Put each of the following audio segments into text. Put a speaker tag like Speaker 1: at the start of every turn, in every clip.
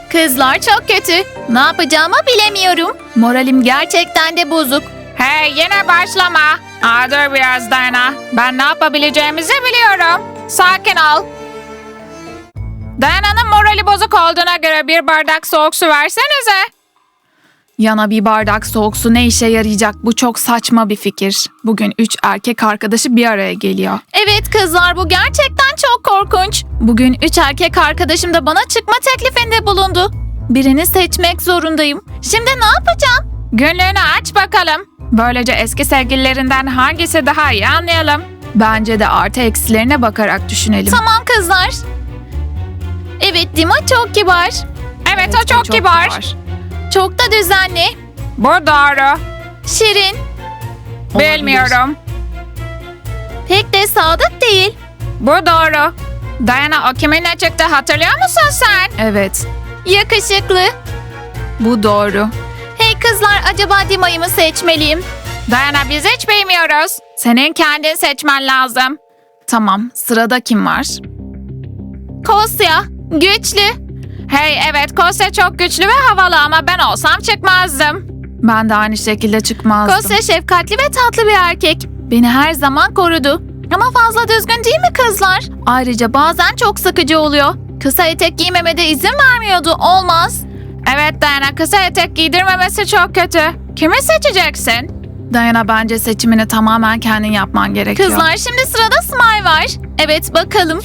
Speaker 1: Kızlar çok kötü. Ne yapacağımı bilemiyorum. Moralim gerçekten de bozuk.
Speaker 2: Hey yine başlama. Dur biraz Dayana. Ben ne yapabileceğimizi biliyorum. Sakin ol. Dayana'nın morali bozuk olduğuna göre bir bardak soğuk su versenize.
Speaker 1: Yana bir bardak soğuk su ne işe yarayacak? Bu çok saçma bir fikir. Bugün 3 erkek arkadaşı bir araya geliyor. Evet kızlar, bu gerçekten çok korkunç. Bugün 3 erkek arkadaşım da bana çıkma teklifinde bulundu. Birini seçmek zorundayım. Şimdi ne yapacağım?
Speaker 2: Günlüğünü aç bakalım. Böylece eski sevgililerinden hangisi daha iyi anlayalım.
Speaker 1: Bence de artı eksilerine bakarak düşünelim. Tamam kızlar. Evet, Dima çok kibar.
Speaker 2: Evet o çok kibar.
Speaker 1: Çok da düzenli.
Speaker 2: Bu doğru.
Speaker 1: Şirin.
Speaker 2: Bilmiyorum.
Speaker 1: Pek de sadık değil.
Speaker 2: Bu doğru. Dayana o kiminle çıktı hatırlıyor musun sen?
Speaker 1: Evet. Yakışıklı. Bu doğru. Hey kızlar, acaba Dima'yı mı seçmeliyim?
Speaker 2: Dayana biz hiç bilmiyoruz. Senin kendin seçmen lazım.
Speaker 1: Tamam, sırada kim var? Kosya. Güçlü.
Speaker 2: Hey evet Kosya çok güçlü ve havalı ama ben olsam çıkmazdım.
Speaker 1: Ben de aynı şekilde çıkmazdım. Kosya şefkatli ve tatlı bir erkek. Beni her zaman korudu. Ama fazla düzgün değil mi kızlar? Ayrıca bazen çok sıkıcı oluyor. Kısa etek giymeme de izin vermiyordu. Olmaz.
Speaker 2: Evet Dayana, kısa etek giydirmemesi çok kötü. Kimi seçeceksin?
Speaker 1: Dayana, bence seçimini tamamen kendin yapman gerekiyor. Kızlar, şimdi sırada Smile var. Evet, bakalım.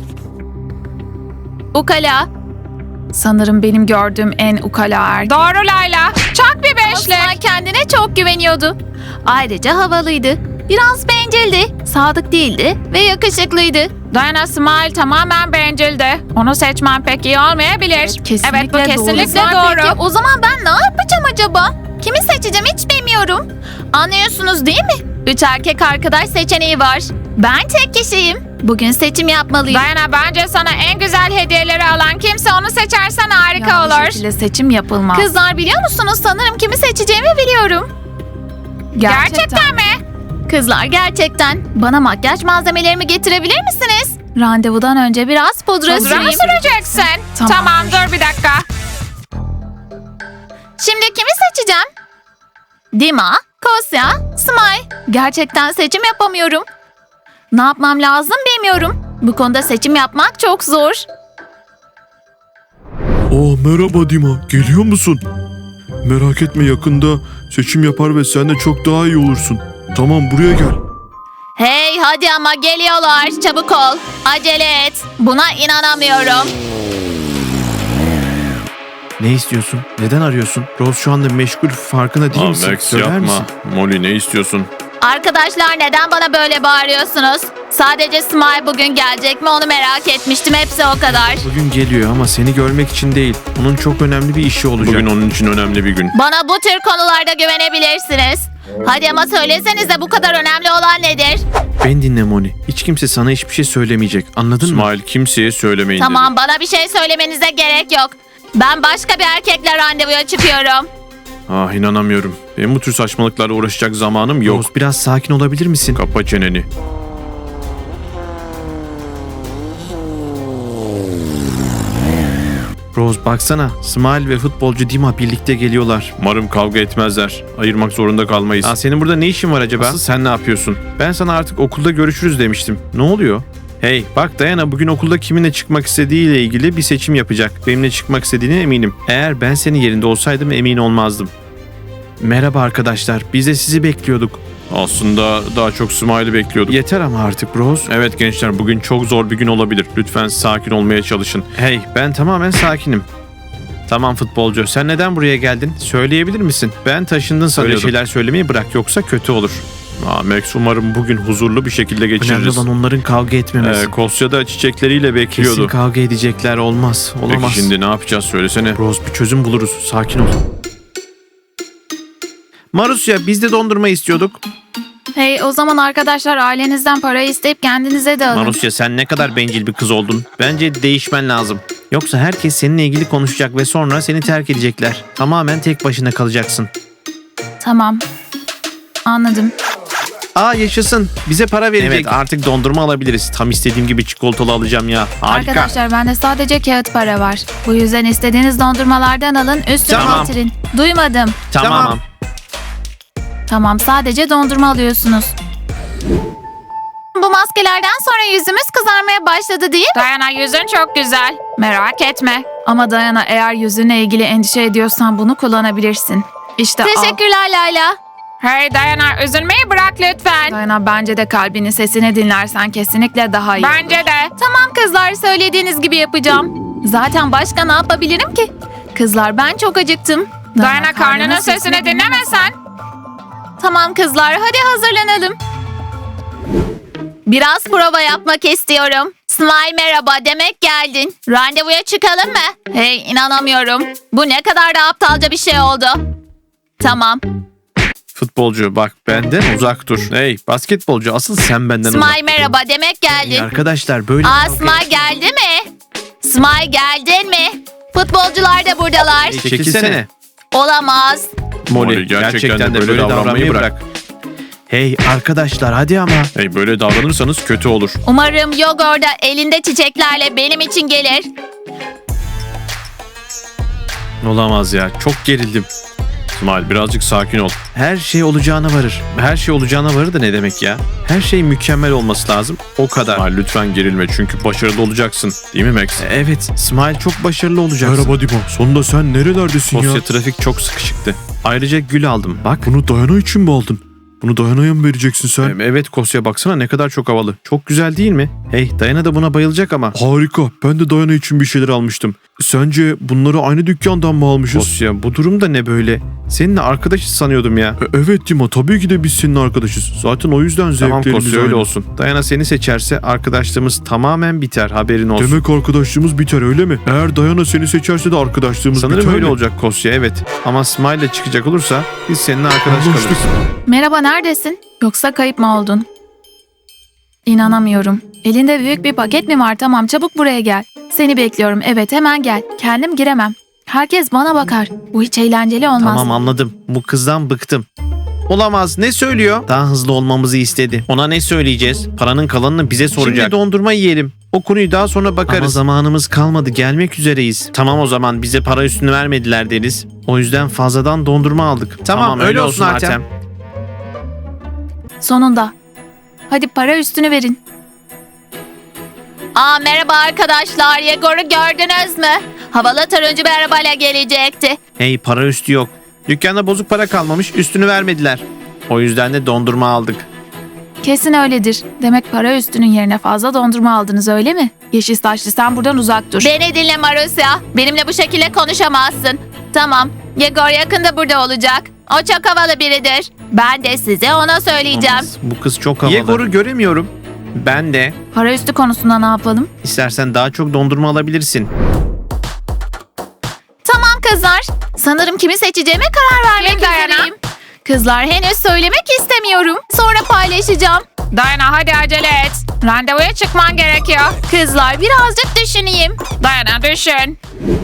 Speaker 1: Ukala. Sanırım benim gördüğüm en ukala erkek.
Speaker 2: Doğru Layla. Çok bir beşlik.
Speaker 1: Smile kendine çok güveniyordu. Ayrıca havalıydı. Biraz bencildi, sadık değildi ve yakışıklıydı.
Speaker 2: Dayana Smile tamamen bencildi. Onu seçmen pek iyi olmayabilir.
Speaker 1: Kesinlikle
Speaker 2: evet bu kesinlikle
Speaker 1: doğru.
Speaker 2: doğru.
Speaker 1: Peki, o zaman ben ne yapacağım acaba? Kimi seçeceğim hiç bilmiyorum. Anlıyorsunuz değil mi? 3 erkek arkadaş seçeneği var. Ben tek kişiyim. Bugün seçim yapmalıyım.
Speaker 2: Dayana bence sana en güzel hediyeleri alan kimse onu seçersen harika
Speaker 1: Yanlış
Speaker 2: olur.
Speaker 1: şekilde seçim yapılmaz. Kızlar, biliyor musunuz? Sanırım kimi seçeceğimi biliyorum.
Speaker 2: Gerçekten mi?
Speaker 1: Kızlar, gerçekten. Bana makyaj malzemelerimi getirebilir misiniz? Randevudan önce biraz pudra
Speaker 2: Pudra mı
Speaker 1: süreyim.
Speaker 2: süreceksin?
Speaker 1: Tamam.
Speaker 2: Tamam dur bir dakika.
Speaker 1: Şimdi kimi seçeceğim? Dima, Kosya, Smile. Gerçekten seçim yapamıyorum. Ne yapmam lazım bilmiyorum. Bu konuda seçim yapmak çok zor.
Speaker 3: Merhaba Dima, geliyor musun? Merak etme, yakında seçim yapar ve sen de çok daha iyi olursun. Tamam, buraya gel.
Speaker 1: Hey hadi ama geliyorlar. Çabuk ol. Acele et. Buna inanamıyorum.
Speaker 3: Ne istiyorsun? Neden arıyorsun? Rose şu anda meşgul, farkında değil misin?
Speaker 4: Max
Speaker 3: Söyler
Speaker 4: yapma.
Speaker 3: misin?
Speaker 4: Molly ne istiyorsun?
Speaker 1: Arkadaşlar, neden bana böyle bağırıyorsunuz? Sadece Smile bugün gelecek mi onu merak etmiştim. Hepsi o kadar.
Speaker 3: Bugün geliyor ama seni görmek için değil. Onun çok önemli bir işi olacak.
Speaker 4: Bugün onun için önemli bir gün.
Speaker 1: Bana bu tür konularda güvenebilirsiniz. Hadi ama söylesenize, bu kadar önemli olan nedir?
Speaker 3: Beni dinle Moni. Hiç kimse sana hiçbir şey söylemeyecek. Anladın mı?
Speaker 4: İsmail kimseye söylemeyin
Speaker 1: Tamam,
Speaker 4: dedi.
Speaker 1: bana bir şey söylemenize gerek yok. Ben başka bir erkekle randevuya çıkıyorum.
Speaker 4: İnanamıyorum. Benim bu tür saçmalıklarla uğraşacak zamanım yok.
Speaker 3: Rose, biraz sakin olabilir misin?
Speaker 4: Kapa çeneni.
Speaker 3: Rose baksana. Smile ve futbolcu Dima birlikte geliyorlar.
Speaker 4: Umarım kavga etmezler. Ayırmak zorunda kalmayız.
Speaker 3: Senin burada ne işin var acaba?
Speaker 4: Asıl sen ne yapıyorsun?
Speaker 3: Ben sana artık okulda görüşürüz demiştim. Ne oluyor? Hey bak Dayana bugün okulda kiminle çıkmak istediğiyle ilgili bir seçim yapacak. Benimle çıkmak istediğine eminim. Eğer ben senin yerinde olsaydım emin olmazdım. Merhaba arkadaşlar, biz de sizi bekliyorduk.
Speaker 4: Aslında daha çok Smile'ı bekliyordum.
Speaker 3: Yeter ama artık Rose.
Speaker 4: Evet gençler, bugün çok zor bir gün olabilir. Lütfen sakin olmaya çalışın.
Speaker 3: Hey, ben tamamen sakinim. Tamam futbolcu, sen neden buraya geldin? Söyleyebilir misin? Ben taşındın sanıyordum. Öyle şeyler söylemeyi bırak, yoksa kötü olur.
Speaker 4: Max, umarım bugün huzurlu bir şekilde
Speaker 3: Önemli
Speaker 4: geçiririz.
Speaker 3: olan onların kavga etmemesi.
Speaker 4: Kosya da çiçekleriyle bekliyordu.
Speaker 3: Kesin kavga edecekler, olmaz. Olamaz.
Speaker 4: Peki şimdi ne yapacağız, söylesene.
Speaker 3: Rose, bir çözüm buluruz, sakin ol. Marusya, biz de dondurma istiyorduk.
Speaker 1: Hey, o zaman arkadaşlar, ailenizden para isteyip kendinize de alın.
Speaker 3: Marusya, sen ne kadar bencil bir kız oldun. Bence değişmen lazım. Yoksa herkes seninle ilgili konuşacak ve sonra seni terk edecekler. Tamamen tek başına kalacaksın.
Speaker 1: Tamam. Anladım.
Speaker 3: Aa yaşasın. Bize para verecek. Evet artık dondurma alabiliriz. Tam istediğim gibi çikolatalı alacağım ya. Harika.
Speaker 1: Arkadaşlar bende sadece kağıt para var. Bu yüzden istediğiniz dondurmalardan alın, üstüne
Speaker 3: Tamam.
Speaker 1: getirin. Duymadım.
Speaker 3: Tamam.
Speaker 1: Tamam, sadece dondurma alıyorsunuz. Bu maskelerden sonra yüzümüz kızarmaya başladı değil mi?
Speaker 2: Dayana yüzün çok güzel. Merak etme.
Speaker 1: Ama Dayana, eğer yüzünle ilgili endişe ediyorsan bunu kullanabilirsin. İşte al.
Speaker 5: Teşekkürler Layla.
Speaker 2: Hey Dayana, üzülmeyi bırak lütfen.
Speaker 1: Dayana, bence de kalbinin sesini dinlersen kesinlikle daha iyi.
Speaker 2: Bence de.
Speaker 1: Tamam kızlar, söylediğiniz gibi yapacağım. Zaten başka ne yapabilirim ki? Kızlar, ben çok acıktım.
Speaker 2: Dayana, karnının sesini dinlemesen.
Speaker 5: Tamam kızlar, hadi hazırlanalım. Biraz prova yapmak istiyorum. Smile merhaba, demek geldin. Randevuya çıkalım mı? Hey, inanamıyorum. Bu ne kadar da aptalca bir şey oldu. Tamam.
Speaker 3: Futbolcu bak benden uzak dur. Hey basketbolcu asıl sen benden uzak.
Speaker 5: Smile merhaba, demek geldin.
Speaker 3: Arkadaşlar böyle...
Speaker 5: Aa, Smile geldi mi? Smile geldin mi? Futbolcular da buradalar.
Speaker 3: Çekilsene.
Speaker 5: Olamaz.
Speaker 3: Molly gerçekten de böyle davranmayı bırak. Hey arkadaşlar hadi ama.
Speaker 4: Hey böyle davranırsanız kötü olur.
Speaker 5: Umarım Yogor da elinde çiçeklerle benim için gelir.
Speaker 3: Olamaz ya çok gerildim.
Speaker 4: İsmail birazcık sakin ol.
Speaker 3: Her şey olacağına varır. Her şey olacağına varır da ne demek ya? Her şey mükemmel olması lazım. O kadar.
Speaker 4: İsmail lütfen gerilme çünkü başarılı olacaksın. Değil mi Max?
Speaker 3: Evet Smile çok başarılı olacaksın.
Speaker 6: Merhaba Dima. Sonunda sen nerelerdesin ya?
Speaker 3: Dosya trafik çok sıkışıktı. Ayrıca gül aldım bak.
Speaker 6: Bunu Dayana için mi aldın? Bunu Dayana'ya mı vereceksin sen?
Speaker 3: Evet Kosya baksana ne kadar çok havalı. Çok güzel değil mi? Hey Dayana da buna bayılacak ama.
Speaker 6: Harika. Ben de Dayana için bir şeyler almıştım. Sence bunları aynı dükkandan mı almışız?
Speaker 3: Kosya bu durum da ne böyle? Seninle arkadaşız sanıyordum ya.
Speaker 6: Evet Dima, tabii ki de biz senin arkadaşız. Zaten o yüzden
Speaker 3: Tamam
Speaker 6: zevklerimiz
Speaker 3: Kosya öyle
Speaker 6: aynı.
Speaker 3: olsun. Dayana seni seçerse arkadaşlığımız tamamen biter haberin olsun.
Speaker 6: Demek arkadaşlığımız biter öyle mi? Eğer Dayana seni seçerse de arkadaşlığımız
Speaker 3: Sanırım
Speaker 6: biter
Speaker 3: öyle
Speaker 6: mi?
Speaker 3: olacak Kosya evet. Ama Smile ile çıkacak olursa biz seninle arkadaş
Speaker 6: Anlaştık.
Speaker 3: kalırız.
Speaker 1: Merhaba, neredesin? Yoksa kayıp mı oldun? İnanamıyorum. Elinde büyük bir paket mi var? Tamam, çabuk buraya gel. Seni bekliyorum. Evet, hemen gel. Kendim giremem. Herkes bana bakar. Bu hiç eğlenceli olmaz.
Speaker 3: Tamam anladım. Bu kızdan bıktım. Olamaz. Ne söylüyor? Daha hızlı olmamızı istedi. Ona ne söyleyeceğiz? Paranın kalanını bize soracak. Şimdi dondurma yiyelim. O konuyu daha sonra bakarız. Ama zamanımız kalmadı. Gelmek üzereyiz. Tamam o zaman bize para üstünü vermediler deriz. O yüzden fazladan dondurma aldık. Tamam öyle olsun Artem.
Speaker 1: Sonunda. Hadi para üstünü verin.
Speaker 5: Aa, merhaba arkadaşlar. Yegor'u gördünüz mü? Havalı turuncu bir arabayla gelecekti.
Speaker 3: Hey para üstü yok. Dükkanda bozuk para kalmamış. Üstünü vermediler. O yüzden de dondurma aldık.
Speaker 1: Kesin öyledir. Demek para üstünün yerine fazla dondurma aldınız öyle mi? Yeşil saçlı, sen buradan uzak dur.
Speaker 5: Beni dinle Marusya. Benimle bu şekilde konuşamazsın. Tamam. Yegor yakında burada olacak. O çok havalı biridir. Ben de size ona söyleyeceğim.
Speaker 3: Olmaz. Bu kız çok havalı. Yegor'u göremiyorum. Ben de.
Speaker 1: Para üstü konusunda ne yapalım?
Speaker 3: İstersen daha çok dondurma alabilirsin.
Speaker 5: Tamam kızlar. Sanırım kimi seçeceğime karar vermek
Speaker 2: Kim Dayana?
Speaker 5: üzereyim. Kızlar, henüz söylemek istemiyorum. Sonra paylaşacağım.
Speaker 2: Dayana hadi acele et. Randevuya çıkman gerekiyor.
Speaker 5: Kızlar, birazcık düşüneyim.
Speaker 2: Dayana düşün.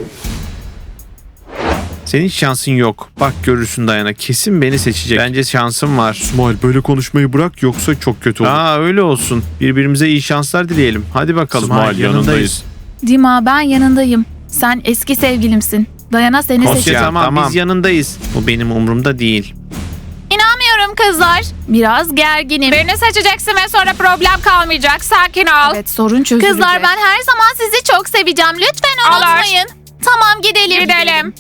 Speaker 3: Senin şansın yok. Bak görürsün Dayana. Kesin beni seçecek. Bence şansım var.
Speaker 6: İsmail böyle konuşmayı bırak yoksa çok kötü olur.
Speaker 3: Aa öyle olsun. Birbirimize iyi şanslar dileyelim. Hadi bakalım.
Speaker 4: İsmail yanındayız.
Speaker 1: Dima, ben yanındayım. Sen eski sevgilimsin. Dayana seni
Speaker 3: Kosya
Speaker 1: seçecek.
Speaker 3: tamam biz yanındayız. Bu benim umurumda değil.
Speaker 5: İnanmıyorum kızlar.
Speaker 1: Biraz gerginim.
Speaker 2: Birini seçeceksin ve sonra problem kalmayacak. Sakin ol.
Speaker 1: Evet, sorun çözülecek.
Speaker 5: Kızlar, ben her zaman sizi çok seveceğim. Lütfen
Speaker 2: Olur.
Speaker 5: unutmayın. Tamam, gidelim.
Speaker 2: Gidelim.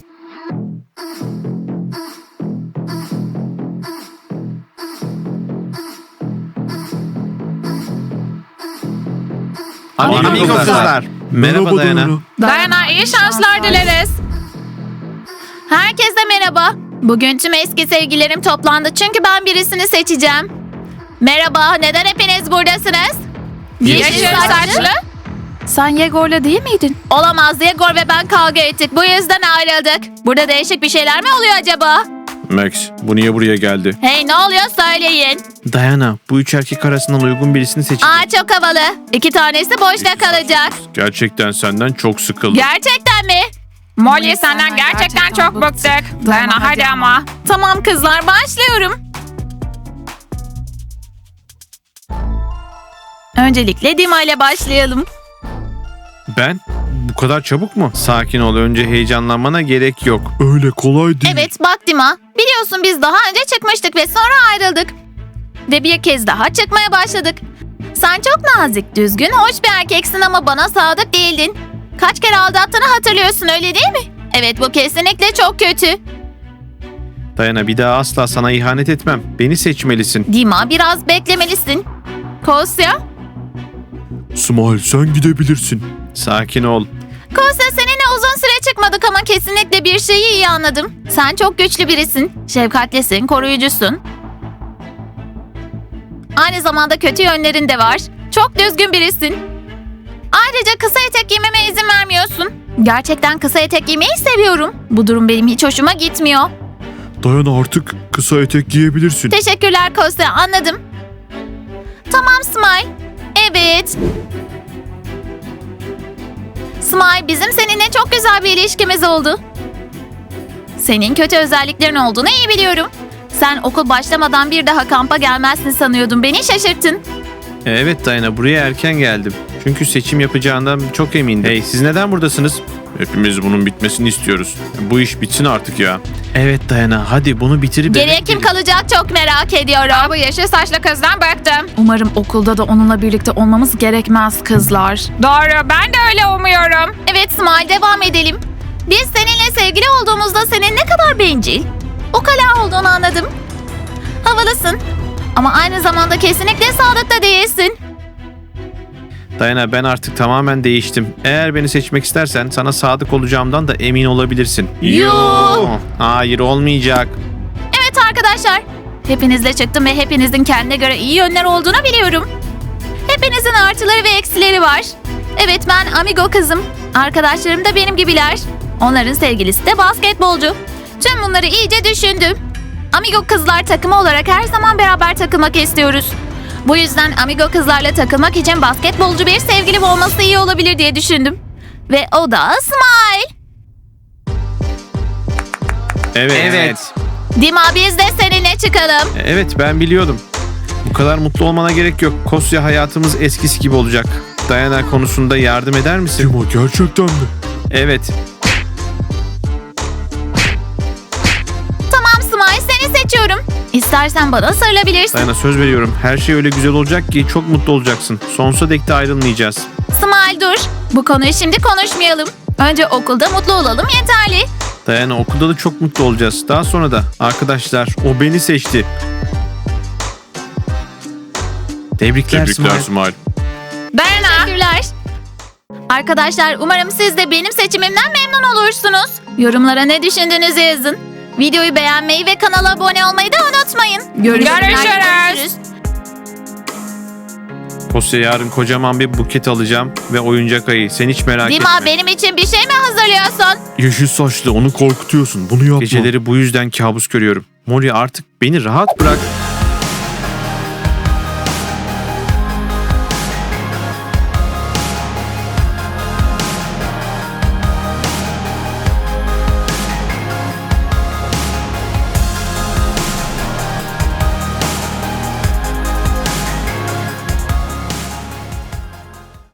Speaker 3: Amigo
Speaker 6: Amigo
Speaker 3: kızlar. Merhaba Dayana.
Speaker 2: Dayana iyi şanslar dileriz.
Speaker 5: Herkese merhaba. Bugün tüm eski sevgililerim toplandı çünkü ben birisini seçeceğim. Merhaba, neden hepiniz buradasınız?
Speaker 2: Yeşil saçlı.
Speaker 1: Sen Yegor'la değil miydin?
Speaker 5: Olamaz, Yegor ve ben kavga ettik. Bu yüzden ayrıldık. Burada değişik bir şeyler mi oluyor acaba?
Speaker 4: Max bu niye buraya geldi?
Speaker 5: Hey, ne oluyor söyleyin.
Speaker 3: Dayana bu üç erkek arasından uygun birisini seçecek.
Speaker 5: Aa, çok havalı. 2 tanesi boşta kalacak.
Speaker 4: Gerçekten senden çok sıkıldım.
Speaker 5: Gerçekten mi?
Speaker 2: Molly senden gerçekten çok bıktık. Dayana hadi ama.
Speaker 5: Tamam kızlar, başlıyorum.
Speaker 1: Öncelikle Dima ile başlayalım.
Speaker 3: Ben? Bu kadar çabuk mu? Sakin ol. Önce heyecanlanmana gerek yok.
Speaker 6: Öyle kolay değil.
Speaker 5: Evet bak Dima. Biliyorsun biz daha önce çıkmıştık ve sonra ayrıldık.
Speaker 1: Ve bir kez daha
Speaker 5: Çıkmaya başladık. Sen çok nazik, düzgün, hoş bir erkeksin ama bana sadık değildin. Kaç kere aldattığını hatırlıyorsun öyle değil mi? Evet bu kesinlikle çok kötü.
Speaker 3: Dayana, bir daha asla sana ihanet etmem. Beni seçmelisin.
Speaker 5: Dima biraz beklemelisin. Kosya?
Speaker 6: Smile sen gidebilirsin.
Speaker 3: Sakin ol.
Speaker 5: Kosya seninle uzun süre çıkmadık ama kesinlikle bir şeyi iyi anladım. Sen çok güçlü birisin. Şefkatlisin, koruyucusun. Aynı zamanda kötü yönlerin de var. Çok düzgün birisin. Ayrıca kısa etek giymeme izin vermiyorsun. Gerçekten kısa etek giymeyi seviyorum. Bu durum benim hiç hoşuma gitmiyor.
Speaker 6: Dayana artık kısa etek giyebilirsin.
Speaker 5: Teşekkürler Kosya, anladım. Tamam Smile. Evet. Smile, bizim seninle çok güzel bir ilişkimiz oldu. Senin kötü özelliklerin olduğunu iyi biliyorum. Sen okul başlamadan bir daha kampa gelmezsin sanıyordum. Beni şaşırttın.
Speaker 3: Evet Dayana, buraya erken geldim. Çünkü seçim yapacağından çok emindim. Hey, siz neden buradasınız?
Speaker 4: Hepimiz bunun bitmesini istiyoruz. Bu iş bitsin artık ya.
Speaker 3: Evet Dayana, hadi bunu bitirip...
Speaker 5: Geriye kim kalacak çok merak ediyorum.
Speaker 2: Bu yeşil saçlı kızdan bıktım.
Speaker 1: umarım okulda da onunla birlikte olmamız gerekmez kızlar.
Speaker 2: Doğru, ben de öyle umuyorum.
Speaker 5: Evet Smile, devam edelim. Biz seninle sevgili olduğumuzda senin ne kadar bencil, ukala olduğunu anladım. Havalısın ama aynı zamanda kesinlikle sadık da değilsin.
Speaker 3: Dayana, ben artık tamamen değiştim. Eğer beni seçmek istersen sana sadık olacağımdan da emin olabilirsin.
Speaker 5: Yuh!
Speaker 3: Hayır, olmayacak.
Speaker 5: Evet arkadaşlar, hepinizle çıktım ve hepinizin kendine göre iyi yönler olduğunu biliyorum. Hepinizin artıları ve eksileri var. Evet, ben amigo kızım. Arkadaşlarım da benim gibiler. Onların sevgilisi de basketbolcu. Tüm bunları iyice düşündüm. Amigo kızlar takımı olarak her zaman beraber takılmak istiyoruz. Bu yüzden amigo kızlarla takılmak için basketbolcu bir sevgilim olması iyi olabilir diye düşündüm. Ve o da Smile.
Speaker 3: Evet.
Speaker 5: Dima, biz de seninle çıkalım.
Speaker 3: Evet, ben biliyordum. Bu kadar mutlu olmana gerek yok. Kosya, hayatımız eskisi gibi olacak. Dayana konusunda yardım eder misin?
Speaker 6: Dima gerçekten mi?
Speaker 3: Evet.
Speaker 5: Tamam Smile, seni seçiyorum. İstersen bana sarılabilirsin.
Speaker 3: Dayana, söz veriyorum. Her şey öyle güzel olacak ki çok mutlu olacaksın. Sonsuza dek de ayrılmayacağız.
Speaker 5: Smile dur. Bu konuyu şimdi konuşmayalım. Önce okulda mutlu olalım yeterli.
Speaker 3: Dayana, okulda da çok mutlu olacağız. Daha sonra da arkadaşlar, o beni seçti. Tebrikler
Speaker 4: Tebrikler
Speaker 3: Smile.
Speaker 4: Smile.
Speaker 2: Dayana.
Speaker 5: Teşekkürler. Arkadaşlar, umarım siz de benim seçimimden memnun olursunuz. Yorumlara ne düşündüğünüzü yazın. Videoyu beğenmeyi ve kanala abone olmayı da unutmayın.
Speaker 2: Görüşürüz.
Speaker 3: Kosya, yarın kocaman bir buket alacağım ve oyuncak ayı. Sen hiç merak
Speaker 5: Dima,
Speaker 3: etme.
Speaker 5: benim için bir şey mi hazırlıyorsun?
Speaker 6: Yeşil saçlı onu korkutuyorsun. Bunu yapma.
Speaker 3: Geceleri bu yüzden kabus görüyorum. Molly, artık beni rahat bırak.